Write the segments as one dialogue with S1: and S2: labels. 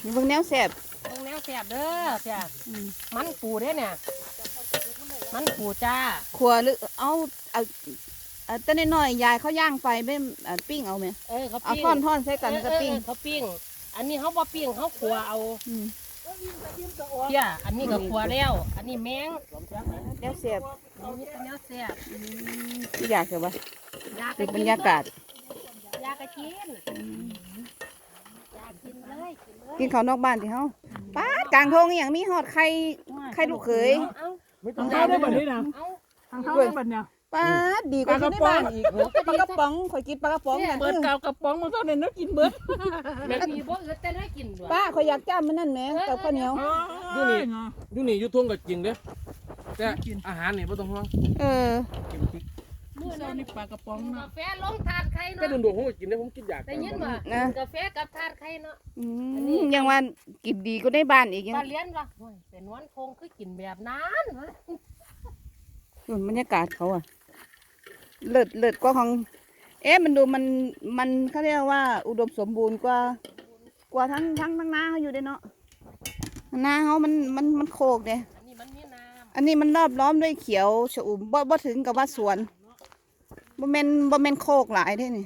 S1: นี่เบิ่งแนวแซ่บ
S2: ตรงแนวแสบเด้อเสียมันปูเด้อเนี่ยมันปูจ้า
S1: ขัวหรือเอาแต่น้อยๆยายเขาย่างไฟไม่ปิ้งเอาไหม
S2: เขา
S1: เอา
S2: ปิ้ง
S1: ท่อนใส่กันก็ปิ้ง
S2: เขาปิ้งอันนี้เขาบ่ปิ้งเขาขัวเอา
S1: อืม
S2: เที่ยอันนี้ก็ขัวแล้วอันนี้แมง
S1: แนวแซ่บ
S2: อันนี้เป็นแนวแสบ
S1: ที่อยากจะว่า
S2: อยาก
S1: เป็นบรรยากาศ
S2: อยากกินอยากกินเลยกินเลย
S1: กินข้าวนอกบ้านที่เฮาป้ากลางทงอหย่างมีหอดไข่ลูกเขย
S2: เอา
S3: ไม่ต้องได้แบบนี้นะ
S2: เอา
S3: ทางเข้าได้แบบเนี้ย
S1: ป้าดีกว่าที่ในบ้านอีกปลากระป๋องข่อยกินปลากระป๋องกัน
S3: เปิดกาวกระป๋องมาเท่านั้นแล้วกินเบิด
S2: ไม่มีบ่เอือแต่ได้กินด้วย
S1: ป้าข่อยอยากจ้ามันนั่นแหมกับข้าวเหนียว
S3: ดูนี่
S4: อยู่นี่อยู่ทุ่งก็จริงเด้อแต่อาหารนี่ไม่ต้องห่วง
S1: เออ
S4: กินพริก
S2: มื้อ
S3: เจ้า
S2: นั้น
S3: นี่ปลากระป๋อง
S2: กา
S3: นะ
S2: แฟลงถาดไข่
S4: แต่
S2: เนาะ
S4: โดนๆผมก็กินได้ผมกินอยาก
S2: ได้ยินบ่
S1: นะ
S2: กาแฟกับถาดไข่เนาะ
S1: ยังว่ากินดีก็ได้บ้านอีกยัง
S2: ปลาเลี้ยนว่ะโอ้ยเป็นวันคงคือกินแบบนั้นวะ
S1: บรรยากาศเขาอะเลิศกว่าของ มันดูมันเขาเรียกว่า อุดมสมบูรณ์กว่าทั้งนาเขาอยู่เด้เนาะนาเขามันโคกเด้
S2: อันนี้มันมีน้
S1: อันนี้มันรอบล้อมด้วยเขียวชอุ่มบ่ถึงกับว่าสวนบ่แม่นโคกหลายเด้นี่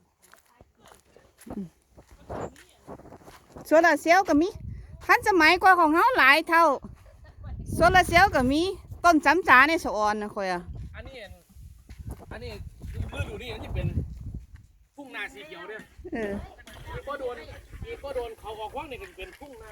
S1: โซลาร์เซลล์ก็มีทันสมัยกว่าของเฮาหลายเท่าโซลาร์เซลล์ก็มีต้นจำจาในสะออนนะค่อยอะ
S4: อันนี้ฤดูนี่อันนี้เป็นทุ่งนาสีเขียวเด้อ
S1: เออ
S4: อีกก็โดนเขาออกว่างนี่ก็เป็นทุ่งนา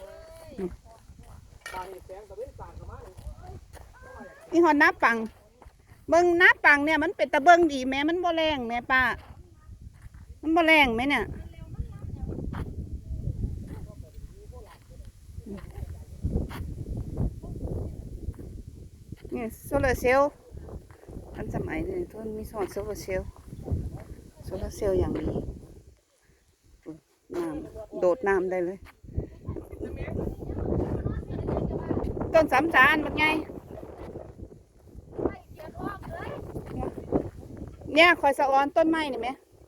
S4: ตาเห็นแสงตะเวนต่างกันมาเลย
S1: นี่ฮอดน้าปังเบิ่งน้าปังเนี่ยมันเป็นตะเบิงดีแม่มันบ่แรงแม่ป้ามันบ่แรงไหมเนี่ยนี่โซลาร์เซลล์ทันสมัยเลยทุนมีโซลาร์เซลล์อย่างนี้น้ำโดดน้ำได้เลย ต้นสามจานมันไงเนี่ยคอยสะออนต้นไม้นี่ไหม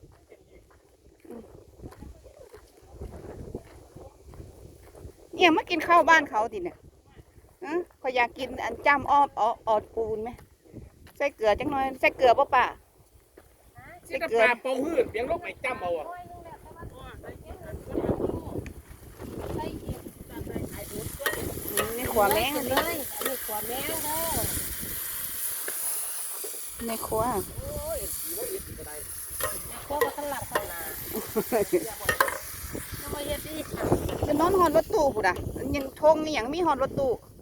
S1: เนี่ยมากินข้าวบ้านเขาดิเนี่ยคอยอยากกินอันจ้ำอ้อมออดปูนไหมใส่เกลือจังหน่อยใส่เกลือป่ะป่า
S4: นี่ก็ปลาเป่าหืดเลี้ยงลูกไปจ้ำเอาอ่ะ
S1: นี่ขวาแมง
S2: ำ
S1: อัน
S2: เล
S1: นี้
S2: ยอันนี้ขวาแมงเด้อ
S1: ในครัว
S2: พวกก็สลัดข้างหน้าแล้วมาเฮ็ดดิ
S1: จะนอนหอดรถตู้ปุ่นอ่ะยังทงนี่ยังมีหอดรถตู้